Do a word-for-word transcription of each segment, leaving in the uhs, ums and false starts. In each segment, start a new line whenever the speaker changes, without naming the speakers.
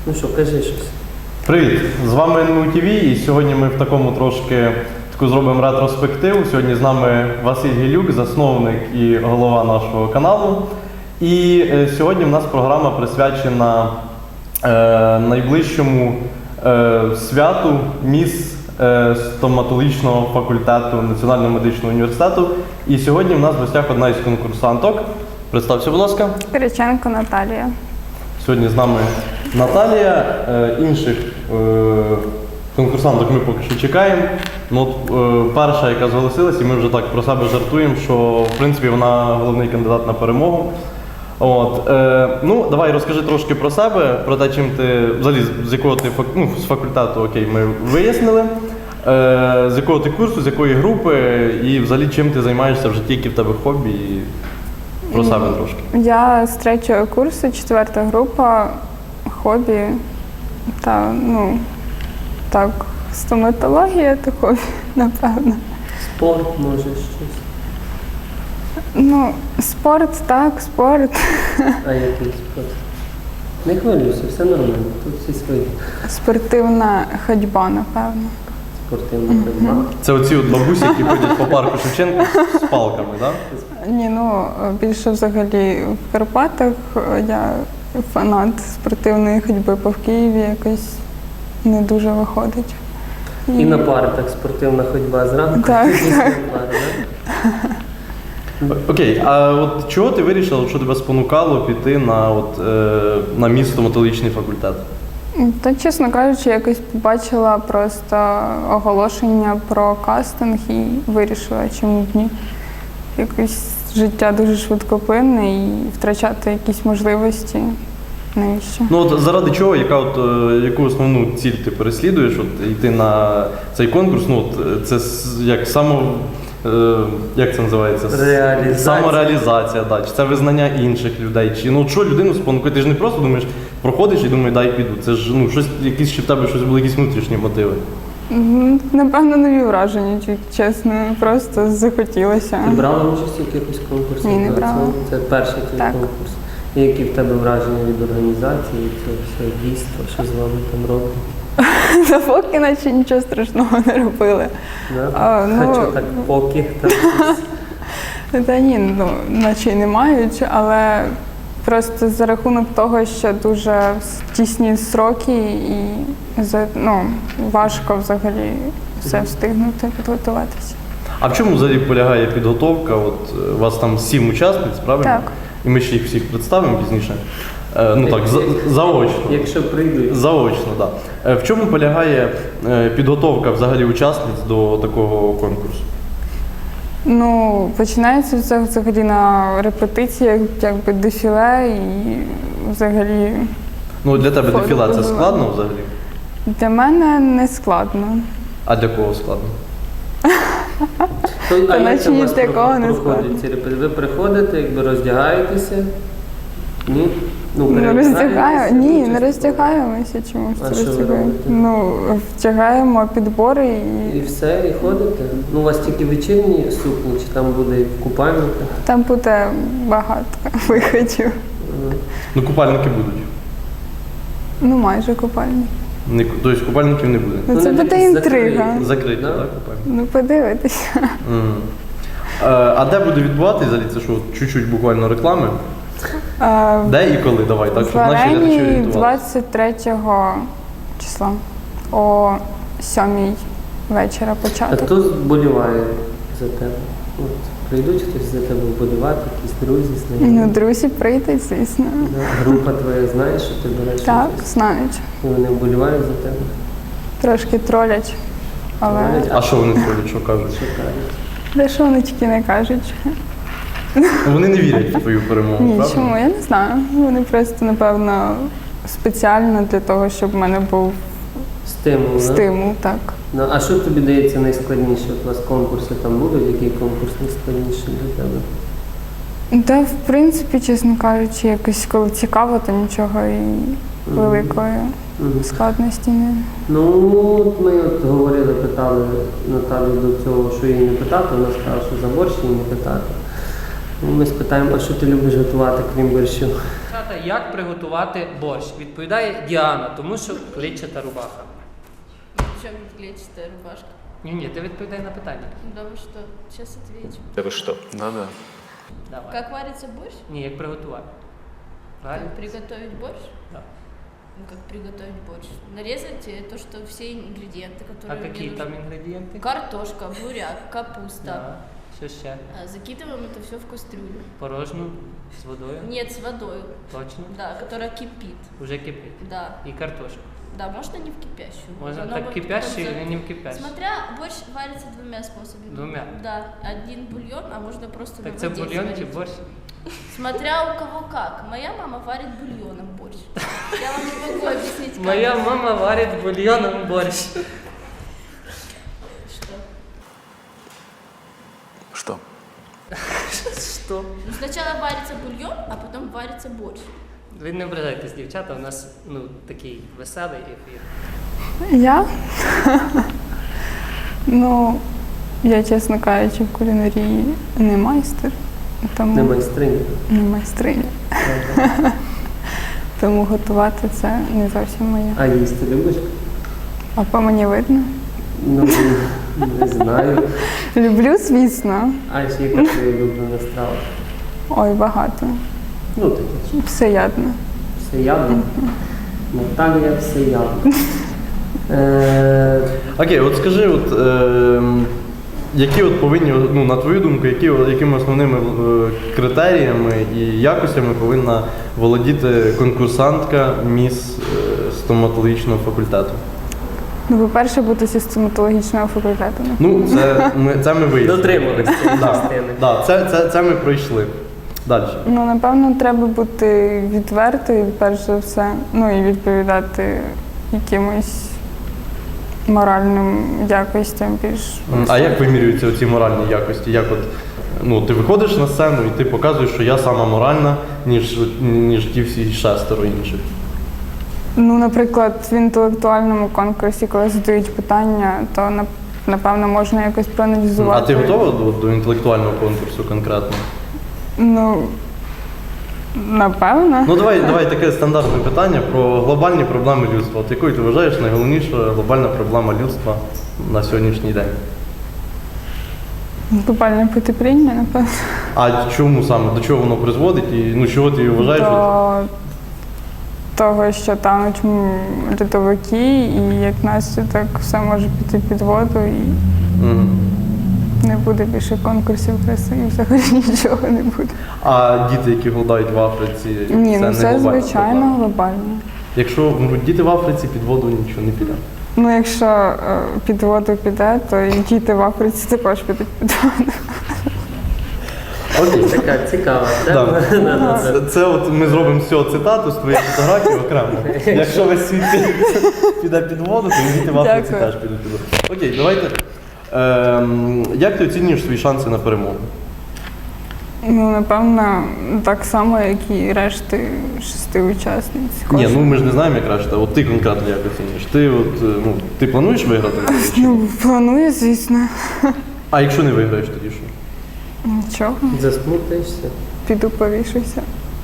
Ну що, кажи щось.
Привіт! З вами ен ем ю ті ві, і сьогодні ми в такому трошки таку зробимо ретроспективу. Сьогодні з нами Василь Гілюк, засновник і голова нашого каналу. І е, сьогодні в нас програма присвячена е, найближчому е, святу міс е, стоматологічного факультету Національного медичного університету. І сьогодні в нас в гостях одна із конкурсанток. Представся, будь ласка.
Кириченко Наталія.
Сьогодні з нами Наталія, е, інших е, конкурсанток ми поки що чекаємо. Ну, от, е, перша, яка зголосилась, і ми вже так про себе жартуємо, що в принципі вона головний кандидат на перемогу. От, е, ну, давай розкажи трошки про себе, про те, чим ти, взагалі, з якого ти, ну, з факультету, окей, ми вияснили, е, з якого ти курсу, з якої групи, і взагалі чим ти займаєшся в житті, які в тебе хобі, і про себе трошки.
Я з третього курсу, четверта група, хобі, та, ну, так, стоматологія та хобі, напевно.
Спорт, може, щось.
Ну, спорт, так, спорт.
А який спорт? Не хвилюйся, все нормально, тут всі свої.
Спортивна ходьба, напевно.
Спортивна ходьба.
Це оці от бабусі, які ходять по парку Шевченка з палками, так? Да?
Ні, ну, більше взагалі в Карпатах я фанат спортивної ходьби, по в Києві якось не дуже виходить.
І на пари так спортивна ходьба зранку.
Так,
після
так.
пари, да?
Окей, а от чого ти вирішила, що тебе спонукало піти на, от, е, на міс стоматологічний факультет?
Та, чесно кажучи, якось побачила просто оголошення про кастинг і вирішила, чому б ні. Якось життя дуже швидкоплинне і втрачати якісь можливості. Навіщо?
Ну от заради чого, яка от, е, яку основну ціль ти переслідуєш, от, йти на цей конкурс, ну от, це с- як само, е, як це називається? С-
Реалізація.
Самореалізація, да. Чи це визнання інших людей, чи ну от що людину спонукає, ти ж не просто думаєш, проходиш і думаєш, дай піду, це ж ну щось, якісь, чи в тебе щось були якісь внутрішні мотиви.
М, Напевно, нові враження, чи- чесно, просто захотілося.
Ти брала участь у якихось конкурсах?
Ні, не
Да,
брала.
Це, це перший твій
Так.
конкурс. І які в тебе враження від організації, від цього всього дійства, що з вами там роблять?
Та поки наче нічого страшного не робили.
Да?
А, ну,
а що так поки там щось?
Та ні, ну, наче й не мають, але просто за рахунок того, що дуже тісні сроки і за- ну, важко взагалі все встигнути підготуватися.
А в чому взагалі полягає підготовка? От е, у вас там сім учасниць, правильно?
Так.
І ми ще їх всіх представимо пізніше. Е, ну так, за- заочно.
Якщо прийдуть.
Заочно, так. Да. В чому полягає е, підготовка взагалі учасниць до такого конкурсу?
Ну, починається все взагалі на репетиціях, якби дефіле і взагалі
Ну, для тебе
Фото
дефіле це
було.
складно взагалі?
для мене не складно.
А для кого складно?
То, а
Та
як
наче
це у
ні
вас
для кого не
проходять
складно.
ці репетиції? Ви приходите, якби роздягаєтеся? Ні? Ну,
Не
перевдягаєтеся?
роздягаю, ні, не
Участь
роздягаємося чомусь.
А що ви
роздягаємо.
робите?
Ну, втягаємо підбори
І
і
все, і ходите? Ну, у вас тільки вечірні сукні, чи там буде і в купальниках?
там буде багато виходів.
Ага.
Ну, купальники будуть.
Ну, майже купальні.
Не, тобто купальників не буде.
Ну,
Ну,
це
не
буде
закриті.
інтрига.
Закриті,
Да?
так, купальники?
Ну, подивитися.
Мгм. Е, А де буде відбуватися взагалі? Це що, чуть-чуть буквально реклами?
А,
Де і коли? Давай, так,
В
щоб наші глядачі
Арені
орієнтувалися.
двадцять третього числа о сьомій вечора
А
початок.
хто вболіває за тебе? От, прийдуть хтось за тебе вболівати, якісь друзі,
Ну,
знайомі?
друзі прийдуть, звісно.
Да. Група твоя знає, що ти береш
Так,
участь?
знають.
І вони вболівають за тебе?
Трошки тролять, але
Тролять?
А що вони ходять, що кажуть?
Що кажуть?
де що вони тільки не кажуть.
Ну, Вони не вірять в твою перемогу,
Ні,
правда?
чому? Я не знаю. Вони просто, напевно, спеціально для того, щоб в мене був
Стимул, да?
стимул, так.
Ну, а що тобі дається найскладніше? От у вас конкурси там будуть, який конкурс найскладніший для тебе?
Та, в принципі, чесно кажучи, якось коли цікаво, то нічого і великої
Мгм.
складності не.
Ну, от ми от говорили, питали Наталю до цього, що її не питати, вона сказала, що за борщ її не питати. Ну, ми спитаємо, а що ти любиш готувати, крім борщу? дівчата, як приготувати борщ? Відповідає Діана, тому що клітчата рубаха.
Причем клетчатая рубашка?
Ні, ні, ти відповідай на питання.
Да вы что? Сейчас отвечу.
Да вы что? Да-да.
Давай.
Как варится борщ?
Ні, як приготувати. Правильно?
Как приготовить борщ?
Да.
Ну, как приготовить борщ? Нарезать э, то, что все ингредиенты,
А
которые мне
які
нужны.
там інгредієнти?
Картошка, буряк, капуста.
Да. Що ще?
А, Закидываем это все в кастрюлю.
Порожну з водою?
Нет, с водой.
Точно?
Да, которая кипит.
Уже кипить.
Да.
І картошку.
Да, можно не в кипящую.
Можно
Оно
так
будет
кипящую
потом за-
или не в кипящую?
Смотря, борщ варится двумя способами.
Двумя?
Да, один бульон, а можно просто
Так
на
це
воде
бульйон чи
сварить.
борщ?
Смотря у кого как. Моя мама варит бульоном борщ. Я вам не могу объяснить, как.
Моя мама варить бульйоном борщ.
Что?
Что?
Що?
Ну, сначала варится бульон, а потом варится борщ.
Ви не ображайтесь, дівчата, у нас ну, такий веселий ефір.
Я? Ну, я, чесно кажучи, в кулінарії не майстер, тому
Не майстриня.
не майстриня. Тому готувати це не зовсім моє.
А їсти любиш?
А по мені видно?
Ну, не знаю.
Люблю, звісно.
А ще яка твоя улюблена страва?
Ой, багато.
Ну, таке,
Всеядно.
всеядно. Наталія всеядно. Е,
Окей, от скажи, от, е, які от повинні, ну, на твою думку, які, якими основними е, критеріями і якостями повинна володіти конкурсантка міс е, стоматологічного факультету?
Ну, по-перше, бути зі стоматологічного факультету.
Ну, це ми, це ми виявили.
Дотримувались цієї
Да,
частини.
да, це, це, це ми пройшли. Далі.
Ну, напевно, треба бути відвертою, перш за все, ну і відповідати якимось моральним якостям більш.
А як вимірюються ці моральні якості? Як от, ну, ти виходиш на сцену і ти показуєш, що я сама моральна, ніж, ніж ті всі шестеро інших.
Ну, наприклад, в інтелектуальному конкурсі, коли задають питання, то нап- напевно можна якось
А
проаналізувати.
ти готова до, до інтелектуального конкурсу конкретно?
Ну, напевно.
Ну давай, давай таке стандартне питання про глобальні проблеми людства. От якою ти вважаєш найголовніша глобальна проблема людства на сьогоднішній день?
Глобальне потепління, напевно.
А чому саме? До чого воно призводить? І ну чого ти вважаєш? що-
До того, що тануть м, льодовики, і як наслідок все може піти під воду, і
Мгм.
не буде більше конкурсів краси, і взагалі нічого не буде.
А діти, які голодають в Африці,
Ні,
це
ну
не
це
глобальна
звичайно
проблема?
глобально.
Якщо вмруть діти в Африці, під воду нічого не піде.
Ну, якщо е, під воду піде, то і діти в Африці також підуть під воду.
Окей.
така цікава
Да.
тема. Да-да-да.
Це, це от ми зробимо з цього цитату з твоєї фотографії окремо. Якщо весь світ піде під воду, то і діти в Африці
Дякую.
теж підуть під воду. Окей, давайте. Ем, як ти оцінюєш свої шанси на перемогу?
Ну, напевно, так само, як і решти шести учасниць.
Ні,
Кожен.
ну ми ж не знаємо, як решта. От ти конкретно як оцінюєш? Ти от, е, ну, ти плануєш виграти? чи ні?
Ну, планую, звісно.
А якщо не виграєш, тоді що?
Нічого,
Засмутишся.
піду повішуся.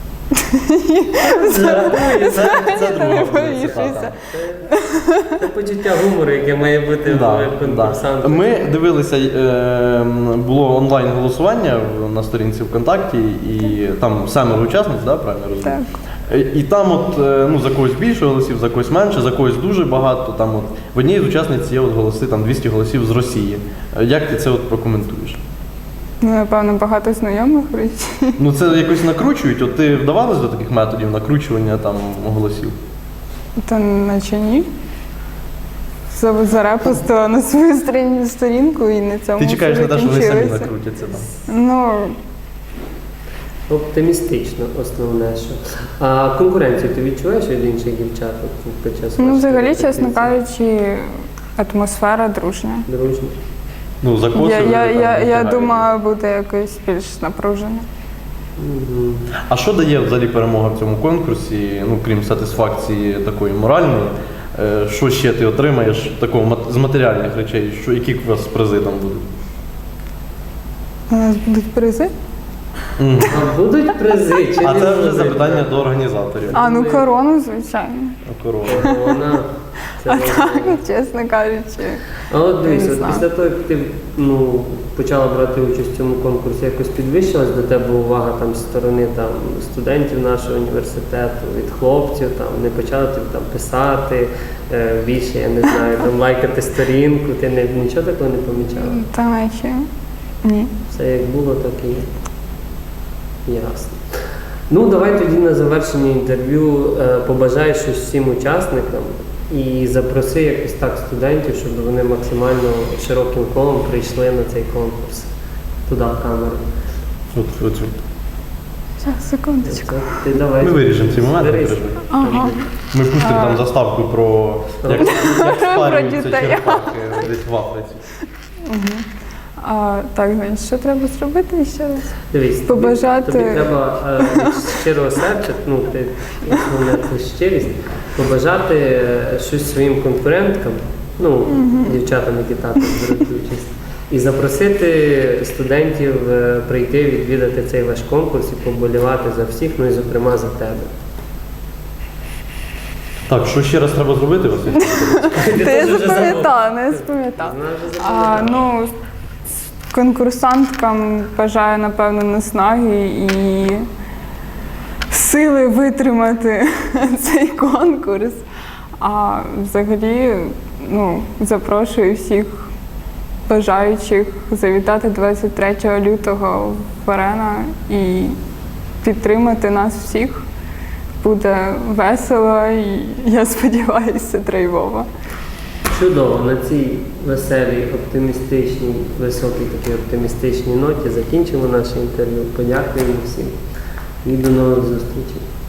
Це, це друга
Не
буде
повішуйся.
цитата.
Це почуття гумору, яке має бути
Да,
в
да.
конкурсанту.
Ми дивилися, е, було онлайн голосування в- на сторінці ВКонтакті, і там семеро учасниць, да, правильно розумію?
Так.
Е, І там от, е, ну, за когось більше голосів, за когось менше, за когось дуже багато. Там от, в одній з учасниць є от голоси, там двісті голосів з Росії. Е, Як ти це от прокоментуєш?
Ну, напевно, багато знайомих в Росії.
Ну це якось накручують, от ти вдавалась до таких методів накручування там голосів?
Та наче ні. За- Зарепостила на свою сторін- сторінку і на цьому
Ти чекаєш на
все
те, що вони самі
закінчилося.
накрутяться там.
Ну,
Оптимістично, основне, що. А конкуренцію ти відчуваєш від інших дівчат от, під час
ну
вашої
взагалі,
репетиції?
чесно кажучи, атмосфера дружня.
Дружно.
Ну, за
Я,
косою
я,
там
я, я
витягають.
думаю, буде якось більш напружено.
Мгм.
А що дає взагалі перемога в цьому конкурсі, ну крім сатисфакції такої моральної? Е, Що ще ти отримаєш такого мат- з матеріальних речей? Що які у вас призи там будуть?
У нас будуть призи.
Мгм.
А будуть призи чи
А
не
це вже
будуть?
запитання до організаторів.
А, ну корону, звичайно.
Корова.
Вона, це
А
важливо.
так, чесно кажучи.
А от дивись,
Не
от
знаю.
після того, як ти ну, почала брати участь в цьому конкурсі, якось підвищилась до тебе увага там, з сторони там, студентів нашого університету, від хлопців, там, не почали тобі там, писати е, більше, я не знаю, там, лайкати сторінку, ти не, нічого такого не помічала?
Та наче. Ні.
Все як було, так і є. Ясно. Ну, давай тоді на завершення інтерв'ю е, побажай щось всім учасникам і запроси якось так студентів, щоб вони максимально широким колом прийшли на цей конкурс. Туди в камеру.
От, оцю.
Зараз, секундочку.
Це ти давай.
Ми виріжемо ці моменти.
Берись.
переживай.
Ага.
Ми пустимо там заставку про як, як спарюються
дітей.
черепахи десь в Африці.
А, так, значить, що треба зробити ще раз?
Дивись, тобі-
Побажати-
Тобі, треба е, від щирого серця, ну, ти, основне це щирість, побажати е, щось своїм конкуренткам, ну, дівчатам, які також беруть участь, і запросити студентів е, прийти, відвідати цей ваш конкурс і поболівати за всіх, ну і зокрема за тебе.
Так, що ще раз треба зробити, Василь?
Ти
Та я
теж вже
запам'ятала, не запам'ятала.
Знаєш, вже
А,
запам'ятала.
ну, конкурсанткам бажаю, напевно, наснаги і сили витримати цей конкурс. А взагалі, ну, запрошую всіх бажаючих завітати двадцять третього лютого в Арена і підтримати нас всіх. Буде весело і, я сподіваюся, драйвово.
Чудово, на цій веселій, оптимістичній, високій такій оптимістичній ноті закінчимо наше інтерв'ю. Подякуємо всім і до нових зустрічей.